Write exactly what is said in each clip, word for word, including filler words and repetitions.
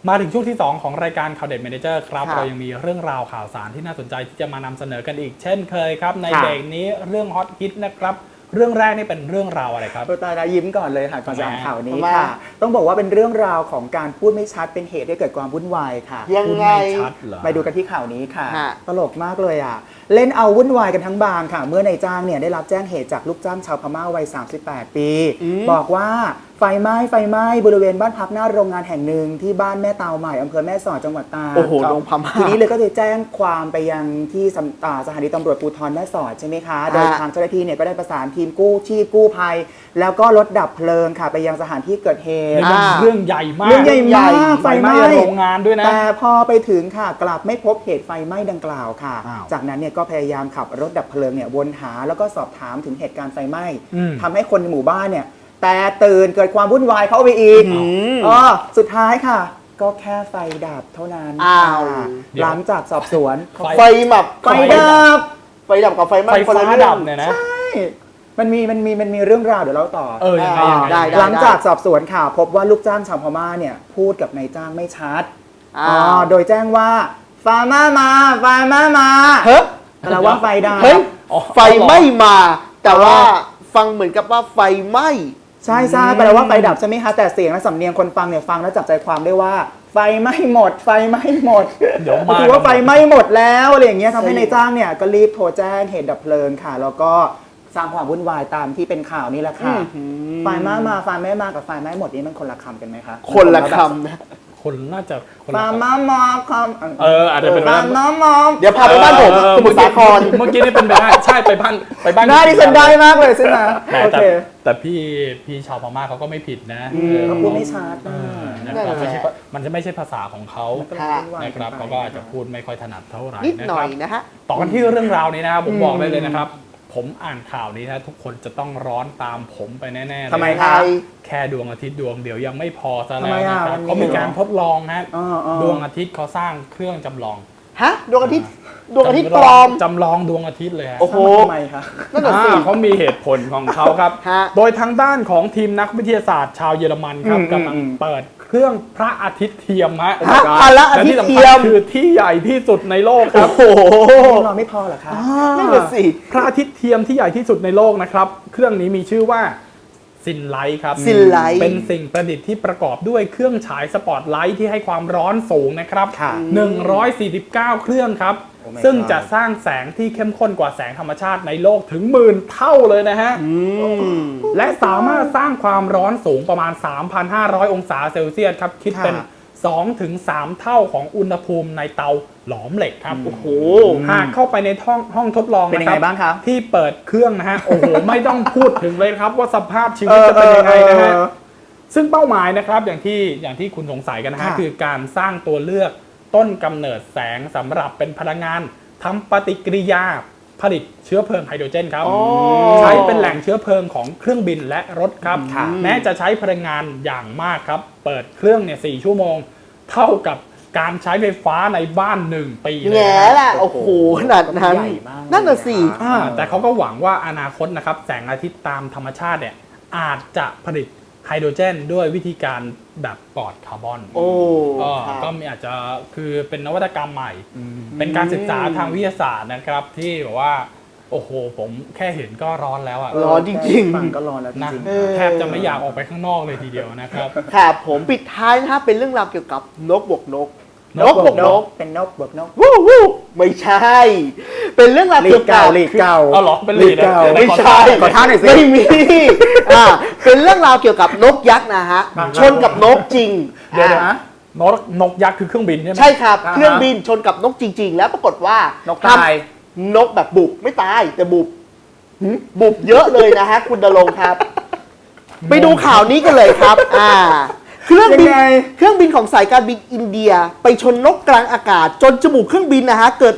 มาถึงช่วงที่สองของรายการข่าวเด็ดเมเนเจอร์ครับเรายังมีเรื่องราวข่าวสารที่น่าสนใจที่จะมานำเสนอกันอีกเช่นเคยครับในเบรกนี้เรื่องฮอตฮิตนะครับเรื่องแรกนี่เป็นเรื่องราวอะไรครับตาดายิ้มก่อนเลยค่ะก่อนจะอ่านข่าวนี้ค่ะต้องบอกว่าเป็นเรื่องราวของการพูดไม่ชัดเป็นเหตุให้เกิดความวุ่นวายค่ะยังไงไปดูกันที่ข่าวนี้ค่ะตลกมากเลยอ่ะเล่นเอาวุ่นวายกันทั้งบางค่ะเมื่อนายจ้างเนี่ยได้รับแจ้งเหตุจากลูกจ้างชาวพม่าวัยสามสิบแปดปีบอกว่าไฟไหม้ไฟไหม้บริเวณบ้านพักหน้าโรงงานแห่งหนึ่งที่บ้านแม่เตาใหม่อำเภอแม่สอดจังหวัดตากโอ้โหโรงพม่าทีนี้เลยก็จะแจ้งความไปยังที่สถานีตำรวจภูธรแม่สอดใช่ไหมคะโดยทางเจ้าหน้าที่เนี่ยก็ได้ประสานทีมกู้ชีพกู้ภัยแล้วก็รถดับเพลิงค่ะไปยังสถานที่เกิดเหตุเรื่องใหญ่มากเรื่องใหญ่มากไฟไหม้โรงงานด้วยนะแต่พอไปถึงค่ะกลับไม่พบเหตุไฟไหม้ดังกล่าวค่ะจากนั้นเนี่ยก็พยายามขับรถดับเพลิงเนี่ยวนหาแล้วก็สอบถามถึงเหตุการณ์ไฟไหม้ทำให้คนในหมู่บ้านเนี่ยแต่ตื่นเกิดความวุ่นวายเข้าไปอีกอ๋อสุดท้ายค่ะก็แค่ไฟดับเท่านั้นหลังจากสอบสวนไฟดับไฟดับไฟดับกับไฟไหม้ไฟฟ้าดับเนี่ยนะใช่มันมีมันมีมันมีเรื่องราวเดี๋ยวเราต่อเออยังไงยังไงหลังจากสอบสวนข่าวพบว่าลูกจ้างชาวพม่าเนี่ยพูดกับนายจ้างไม่ชัดอ๋อโดยแจ้งว่าไฟไหม้มาไฟไหม้มาเฮ้ยแปลว่าไฟดับไฟไม่มาแต่ว่าฟังเหมือนกับว่าไฟไหม้ใช่ใช่แปลว่าไฟดับใช่ไหมคะแต่เสียงและสำเนียงคนฟังเนี่ยฟังแล้วจับใจความได้ว่าไฟไหม้หมดไฟไหม้หมดเดี๋ยวมาคือว่าไฟไหม้หมดแล้วอะไรอย่างเงี้ยทำให้นายจ้างเนี่ยก็รีบโทรแจ้งเหตุดับเพลิงค่ะแล้วก็สร้างความวุ่นวายตามที่เป็นข่าวนี่แหละค่ะไฟไหม้มาไฟไหม้มากับไฟไหม้หมดนี่มันคนละคำกันไหมคะคนละคำนะคนน่าจะไฟไหม้มาคำเอออาจจะเป็นไฟไหม้มาเดี๋ยวพาไปบ้านผมสมุทรสาครเมื่อกี้นี่เป็นไปได้ใช่ไปบ้านไปบ้านได้ดิฉันได้มากเลยใช่ไหมโอเคแต่พี่พี่ชาวพม่าเขาก็ไม่ผิดนะเขาพูดไม่ชัดนะครับไม่ใช่มันจะไม่ใช่ภาษาของเขานะครับเขาก็อาจจะพูดไม่ค่อยถนัดเท่าไหร่นิดหน่อยนะฮะต่อกันที่เรื่องราวนี้นะครับผมบอกได้เลยนะครับผมอ่านข่าวนี้นะทุกคนจะต้องร้อนตามผมไปแน่ๆเลยทำไมครับแค่ดวงอาทิตย์ดวงเดียวยังไม่พอซะแล้วนะครับเขามีการทดลองนะดวงอาทิตย์เขาสร้างเครื่องจำลองฮะดวงอาทิตย์ดวงอาทิตย์ปลอมจำลองดวงอาทิตย์เลยฮะโอ้โหทำไมครับนั่นแหละสิเขามีเหตุผลของเขาครับโดยทางด้านของทีมนักวิทยาศาสตร์ชาวเยอรมันครับกำลังเปิดเครื่องพระอาทิตย์เทียมฮะและที่สำคัญคือที่ใหญ่ที่สุดในโลกครับโอ้โหเราไม่พอหรอครับนั่นแหละสิพระอาทิตย์เทียมที่ใหญ่ที่สุดในโลกนะครับเครื่องนี้มีชื่อว่าซินไลท์ครับซินไลท์เป็นสิ่งประดิษฐ์ที่ประกอบด้วยเครื่องฉายสปอตไลท์ที่ให้ความร้อนสูงนะครับหนึ่งร้อยสี่สิบเก้าเครื่องครับซึ่งจะสร้างแสงที่เข้มข้นกว่าแสงธรรมชาติในโลกถึงหมื่นเท่าเลยนะฮะและสามารถสร้างความร้อนสูงประมาณ สามพันห้าร้อย องศาเซลเซียสครับคิดเป็น สองถึงสาม เท่าของอุณหภูมิในเตาหลอมเหล็กครับโอ้โหหากเข้าไปในห้องห้องทดลองเป็นยังไงบ้างครับที่เปิดเครื่องนะฮะโอ้โหไม่ต้องพูดถึงเลยครับว่าสภาพชีวิตจะเป็นยังไงนะฮะซึ่งเป้าหมายนะครับอย่างที่อย่างที่คุณสงสัยกันนะฮะคือการสร้างตัวเลือกต้นกำเนิดแสงสำหรับเป็นพลังงานทำปฏิกิริยาผลิตเชื้อเพลิงไฮโดรเจนครับใช้เป็นแหล่งเชื้อเพลิงของเครื่องบินและรถครับแม้จะใช้พลังงานอย่างมากครับเปิดเครื่องเนี่ยสี่ชั่วโมงเท่ากับการใช้ไฟฟ้าในบ้านหนึ่งปีเลยแง่ละโอ้โหขนาดนั้นนั่นน่ะสิแต่เขาก็หวังว่าอนาคตนะครับแสงอาทิตย์ตามธรรมชาติเนี่ยอาจจะผลิตไฮโดรเจนด้วยวิธีการแบบปลอดคาร์บอนโอ้ก็มีอาจจะคือเป็นนวัตกรรมใหม่เป็นการศึกษาทางวิทยาศาสตร์นะครับที่แบบว่าโอ้โหผมแค่เห็นก็ร้อนแล้วอ่ะร้อนจริงๆฟังก็ร้อนแล้วจริงๆแทบจะไม่อยากออกไปข้างนอกเลยทีเดียวนะครับครับผมปิดท้ายนะครับเป็นเรื่องราวเกี่ยวกับนกบวกนกนกบวกนกเป็นนกบวกนกวู้วู้ไม่ใช่เป็นเรื่องราวเกี่ยวกับลีกเก่าเอาหรอเป็นลีกเก่าไม่ใช่ขอท่าหน่อยสิไม่มีอ่าเป็นเรื่องราวเกี่ยวกับนกยักษ์นะฮะชนกับนกจริงเดี๋ยวนะนกนกยักษ์คือเครื่องบินใช่ไหมใช่ครับเครื่องบินชนกับนกจริงๆแล้วปรากฏว่านกตายนกแบบบุบไม่ตายแต่บุบบุบเยอะเลยนะฮะคุณดลงครับไปดูข่าวนี้กันเลยครับอ่าเครื่องบินเครื่องบินของสายการบินอินเดียไปชนนกกลางอากาศจนจมูกเครื่องบินนะฮะเกิดรอย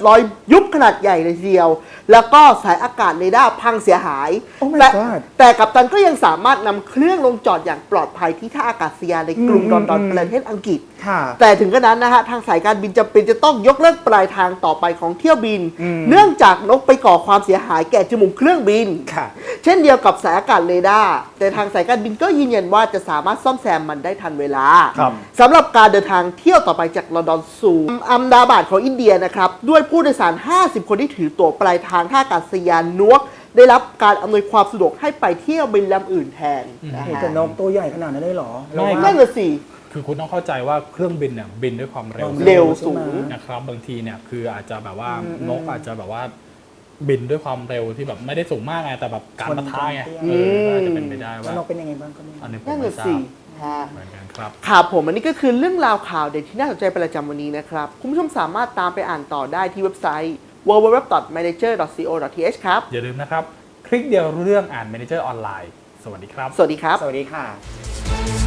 ยุบขนาดใหญ่เลยทีเดียว แล้วก็สายอากาศเรดาร์พังเสียหาย Oh my แต่ God แต่กัปตันก็ยังสามารถนำเครื่องลงจอดอย่างปลอดภัยที่ท่าอากาศยานในกรุงอืมลอนดอนอืมประเทศอังกฤษค่ะแต่ถึงกระนั้นนะฮะทางสายการบินจำเป็นจะต้องยกเลิกปลายทางต่อไปของเที่ยวบินอืมเนื่องจากนกไปก่อความเสียหายแก่จมูกเครื่องบินค่ะเช่นเดียวกับสายอากาศเรดาร์แต่ทางสายการบินก็ยืนยันว่าจะสามารถซ่อมแซมมันได้ทันเวลาครับสำหรับการเดินทางเที่ยวต่อไปจากลอนดอนสู่อัมดาบาดของอินเดียนะครับด้วยผู้โดยสาร ห้าสิบ คนที่ถือตั๋วปลายทางท่าอากาศยานนวกได้รับการอำนวยความสะดวกให้ไปเที่ยวบินลำอื่นแทนนะโอ้ฮะแต่นกตัวใหญ่ขนาดนั้นได้เหรอไม่เราว่านั่นน่ะสิคือคุณต้องเข้าใจว่าเครื่องบินเนี่ยบินด้วยความเร็วเร็วสูงนะครับบางทีเนี่ยคืออาจจะแบบว่าอืมนกอาจจะแบบว่าบินด้วยความเร็วที่แบบไม่ได้สูงมากไงแต่แบบการปะทะไงชนกันเออก็อาจจะเป็นไปได้แล้วว่านกเป็นยังไงบ้างก็ไม่รู้อันนี้ผมนั่นไม่น่ะทราสิบฮะเหมือนกันครับครับผมอันนี้ก็คือเรื่องราวข่าวเด็ดที่น่าสนใจประจำวันนี้นะครับ คุณผู้ชมสามารถตามไปอ่านต่อได้ที่เว็บไซต์ ดับเบิลยู ดับเบิลยู ดับเบิลยู ดอท มานเจอร์ ดอท ซี โอ ดอท ที เอช ครับอย่าลืมนะครับ คลิกเดียวรู้เรื่องอ่าน Manager ออนไลน์ สวัสดีครับสวัสดีครับสวัสดีค่ะ